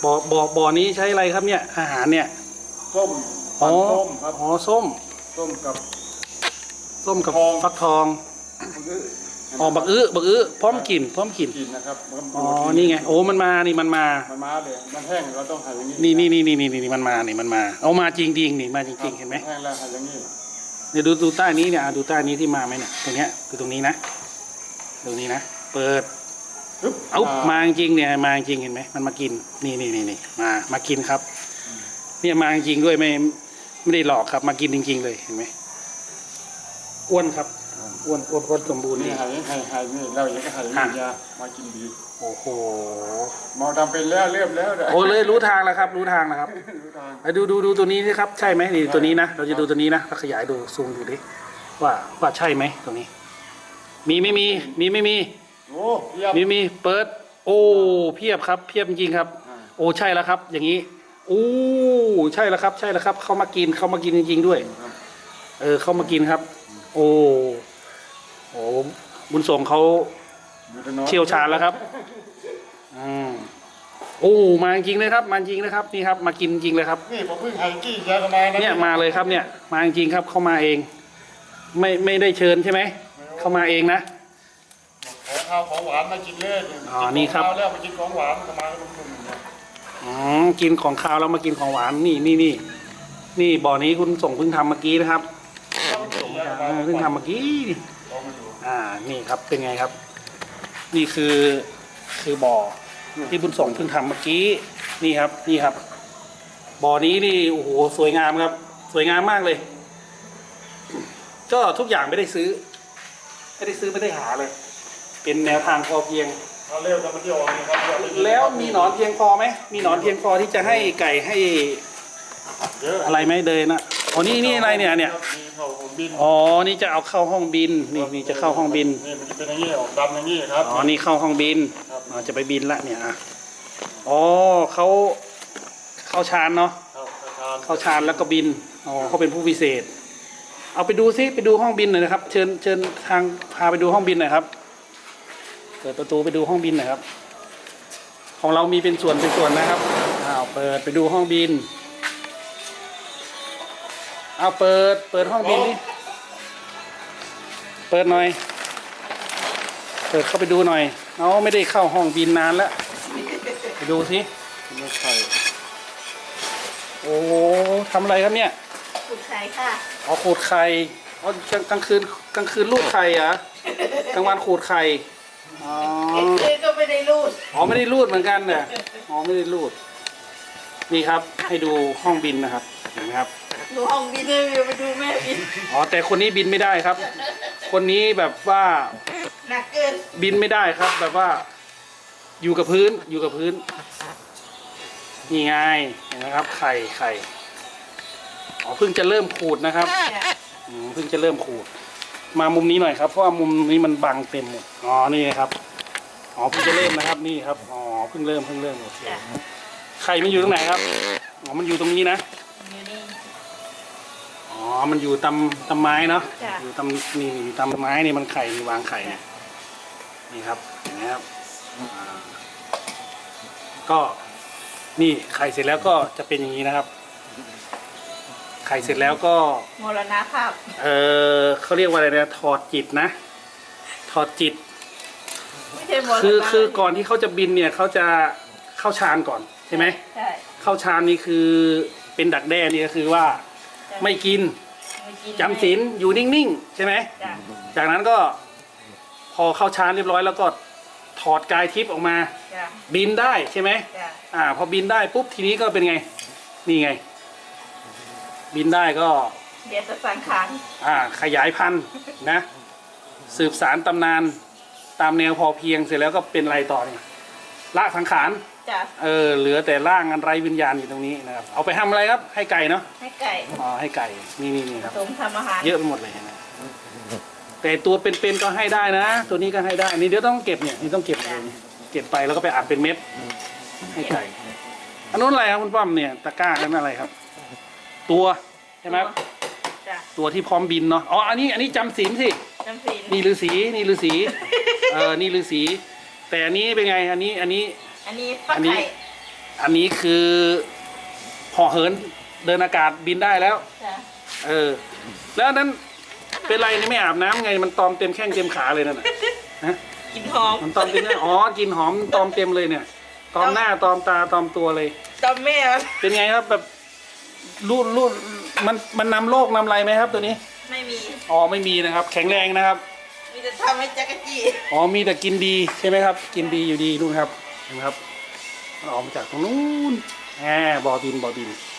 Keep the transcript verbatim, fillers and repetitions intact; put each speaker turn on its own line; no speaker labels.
บ่อบ่อบ่อนี้ใช้อะไรครับเนี่ยอาหารเนี่ย
ส้มอ๋อส้มครับ
อ๋อส้ม
ส้มกับ
ส้มกับฟักทองอ๋อบักอื้อบักอื้อพร้อมกินพร้อมกิน
กินนะครับ
อ๋อนี่ไงโอ้มันมานี่มันมา
มันมาเลยมันแห้งเราต้องหั่นอย่างนี้
นี่นี่นี่นี่นี่นี่มันมานี่มันมาเอามาจริงจริงนี่มาจริงจริงเห็นไหม
แห้งแล้วหั่นอย่างนี้
เดี๋ยวดูดูใต้นี้เนี่ยดูใต้นี้ที่มาไหมเนี่ยตรงเนี้ยคือตรงนี้นะตรงนี้นะเปิดเอามาจริงเนี่ยมาจริงเห็นไหมมันมากินนี่นี่นี่นี่มามากินครับเนี่ยมาจริงด้วยไม่ไม่ได้หลอกครับมากินจริงๆเลยเห็นไหมอ้วนครับอ้วนอ้วนอ้วนสมบูรณ์
นี่
นี่
หายหายหายนี่เราอย่างก็หายนี่ยามากินดี
โอ้โห
หมอทำเป็นแล้วเรียบแล้ว
โอ้เลยรู้ทางแล้วครับรู้ทางแล้วครับไปดูดูดูตัวนี้นี่ครับใช่ไหมนี่ตัวนี้นะเราจะดูตัวนี้นะเราขยายดูซูมดูดิว่าว่าใช่ไหมตัวนี้มีไม่มีมีไม่มี
โอ้
มีมีเปิดโอ้เพียบครับเพียบจริงครับโอ้ใช่แล้วครับอย่างนี้โอ้ใช่แล้วครับใช่แล้วครับเขามากินเขามากินจริงๆด้วยเออเขามากินครับโอ้โหบุญส่งเขาเชี่ยวชาญแล้วครับอืมโอ้มาจริงเลยครับมาจริงนะครับนี่ครับมากินจริงเลยครับ
นี่ผมเพิ่งไฮกี้แกก็มา
เนี่ยมาเลยครับเนี่ยมาจริงครับเขามาเองไม่ไม่ได้เชิญใช่ไหมเขามาเองนะ
ขอข้าวของหวานมากินเลย
อ๋อนี่ครับ
แล้วมากินของหวานมาลุ่มๆ
อ๋อกินของข้าวแล้วมากินของหวานนี่นี่นี่นี่บ่อนี้คุณส่งเพิ่งทำเมื่อกี้นะครับเพิ่งทำเมื่อกี้อ่านี่ครับเป็นไงครับนี่คือคือบ่อที่บุญส่งเพิ่งทำเมื่อกี้นี่ครับนี่ครับบ่อนี้นี่โอ้โหสวยงามครับสวยงามมากเลยก็ทุกอย่างไม่ได้ซื้อไม่ได้ซื้อไม่ได้หาเลยเป็นแนวทางพอเพียง
เร็วจะมาเที่ยวนะครับ
แล้วมีหนอนเพียงพอไหมมีหนอนเพียงพอที่จะให้ไก่ให้อะไรไหมเดินนะอ๋อนี่นี่อะไรเนี่ยเนี่ยอ๋อนี่จะเอาเข้าห้องบินนี่นี่จะเข้าห้องบิน
นี่มันจะเป็นอย่างนี้ออกดำอย่างนี้ครับ
อ๋อนี่เข้าห้องบินอ๋อจะไปบินละเนี่ยอ๋อเขาเข้าชานเนาะเข้าชานแล้วก็บินอ๋อเขาเป็นผู้พิเศษเอาไปดูซิไปดูห้องบินหน่อยนะครับเชิญเชิญทางพาไปดูห้องบินหน่อยครับเปิดประตูไปดูห้องบินหน่อยครับของเรามีเป็นส่วนเป็นส่วนนะครับอ้าวเปิดไปดูห้องบินเอาเปิดเปิดห้องบินนี่เปิดหน่อยเปิดเข้าไปดูหน่อยเอาไม่ได้เข้าห้องบินนานแล้วไปดูสิ
ไม่ใช่
โอ้ทำอะไรครับเนี่ย
ขูดไข่ค่ะ
อ๋อขูดไข่อ๋อกลางคืนกลางคืนลูดไข่อะกลางวันขูดไข่อ๋อ
ก็ไม่ได้รูด
อ๋อไม่ได้รูดเหมือนกันเนี่ยอ๋อไม่ได้รูดนี่ครับให้ดูห้องบินนะครับเห็นไหมครับ
ดูห้องบินเลยไปดูแม่บิน
อ๋อแต่คนนี้บินไม่ได้ครับ คนนี้แบบว่า
หนักเกิน
บินไม่ได้ครับ แบบว่าอยู่กับพื้นอยู่กับพื้นนี่ไงเห็นไหมครับไข่ไข่อ๋อเพิ่งจะเริ่มขูดนะครับเพิ่งจะเริ่มขูดมามุมนี้หน่อยครับเพราะว่ามุมนี้มันบังเต็มหมดอ๋อนี่ครับอ๋อเพิ่งจะเริ่มนะครับนี่ครับอ๋อเพิ่งเริ่มเพิ่งเริ่มโอเคไข่มันอยู่ตรงไหนครับอ๋อมันอยู่ตรงนี้นะอ๋อมันอยู่ตำตำไม้เนาะอยู่ตำนี่นี่ตำไม้นี่มันไข่นี่วางไข่เนี่ยนี่ครับเห็นไหมครับก็นี่ไข่เสร็จแล้วก็จะเป็นอย่างนี้นะครับไข่เสร็จแล้วก็
มรณภาพ
เออเขาเรียกว่าอะไรนะถอดจิตนะถอดจิต
ไม่ใช่มรณะ
คือคือก่อนที่เขาจะบินเนี่ยเขาจะเข้าฌานก่อนใช่ไหม
ใช่
เข้าฌานนี่คือเป็นดักแด้นี่ก็คือว่าไม่กินจำศีลอยู่นิ่งๆใช่ไหมจากนั้นก็พอเข้าฌานเรียบร้อยแล้วก็ถอดกายทิพย์ออกมาบินได้ใช่ไหมอ่าพอบินได้ปุ๊บทีนี้ก็เป็นไงนี่ไงบินได้ก็
เดี๋ยวจะสังขาร
อ่าขยายพันธุ์นะสืบสารตำนานตามแนวพอเพียงเสร็จแล้วก็เป็นอะไรต่อเนี่ยละสังขารเออเหลือแต่ร่างอันไร้วิญญาณอยู่ตรงนี้นะครับเอาไปทำอะไรครับให้ไก่เนาะ
ให้ไก่
อ๋อให้ไก่นี่นี่นี่ครับ
ทำอาหาร
เยอะไปหมดเลยนะแต่ตัวเป็นๆก็ให้ได้นะตัวนี้ก็ให้ได้นี่เดี๋ยวต้องเก็บเนี่ยนี่ต้องเก็บเลยเก็บไปแล้วก็ไปอัดเป็นเม็ดให้ไก่อันนู้นอะไรครับคุณป้อมเนี่ยตะกร้านั่นอะไรครับตัวใช่ไหมตัวที่พร้อมบินเนาะอ๋ออันนี้อันนี้จำศีลสิ
จำศีล
นี่ฤาษีนี่ฤาษีเออนี่ฤาษีแต่อันนี้เป็นไงอันนี้อันนี้
อันนี้ฟักไข่
อันนี้คือห่อเหินเดินอากาศบินได้แล้ว
จ้ะ
เออ แล้วอันนั้นเป็นไรนี่ไม่อาบน้ำไงมันตอมเต็มแข้งเต็มขาเลยนั่นน่ะฮะ
กินหอม
มันตอมเต็มหน้าอ๋อกินหอมตอมเต็มเลยเนี่ย ตอมหน้าตอมตาตอมตัวเลย
ตอมแม่มัน
เป็นไงครับแบบรูดรูดมันมันนำโรคนำอะไรไหมครับตัวนี้
ไม่มี
อ๋อไม่มีนะครับ แข็งแรงนะครับ
มีแต่ทำให้จักรจี้
อ๋อมีแต่กินดีใช่ไหมครับ กินดีอยู่ดีนู่นครับเห็นไหมครับมันออกมาจากตรงนู้นแหมบ่อดินบ่อดิน